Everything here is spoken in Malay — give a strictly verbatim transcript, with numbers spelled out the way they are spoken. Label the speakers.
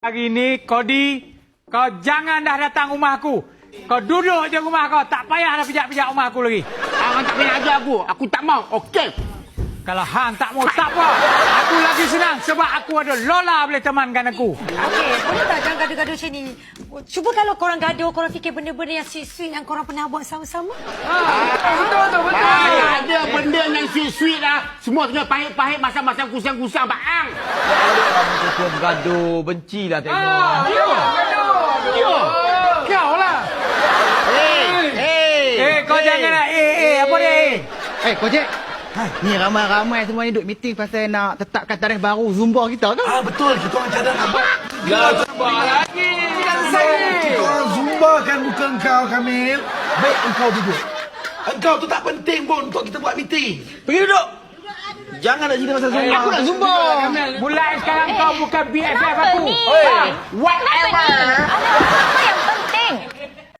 Speaker 1: Hari ni, Kodi, kau jangan dah datang rumah aku. Kau duduk je rumah kau. Tak payah dah pijak-pijak rumah aku lagi.
Speaker 2: Hang tak payah ajar aku. Aku tak mau. Okey.
Speaker 1: Kalau hang tak mau, tak apa. Aku lagi senang sebab aku ada Lola boleh temankan aku.
Speaker 3: Okey, boleh tak jangan gaduh-gaduh macam ni? Cuba kalau korang gaduh, korang fikir benda-benda yang sweet-sweet yang korang pernah buat sama-sama.
Speaker 1: Betul tu, betul.
Speaker 2: Ah, ada benda yang sweet-sweet dah. Semua tengah pahit-pahit masa-masa kusang-kusang bang.
Speaker 4: Kita bergaduh, bencilah tengok.
Speaker 1: Ah, dia gaduh.
Speaker 2: Dia.
Speaker 1: Kau lah.
Speaker 2: Hey, hey.
Speaker 1: Eh, kau jangan lah. Eh, eh, apa dia? Eh?
Speaker 4: Eh, Kojek. Ni ramai-ramai semua ni duk meeting pasal nak tetapkan tarikh baru Zumba kita kan?
Speaker 5: Ah betul, kita orang cadang nampak.
Speaker 1: Ya, Zumba lagi. Jangan saya.
Speaker 5: Kita orang Zumba kan bukan engkau, Kamil. Baik engkau duduk. Engkau tu tak penting pun untuk kita buat meeting.
Speaker 4: Pergi duduk. Jangan nak cerita pasal Zumba.
Speaker 2: Aku nak Zumba.
Speaker 1: Mulai sekarang kau bukan B F F aku.
Speaker 2: Whatever.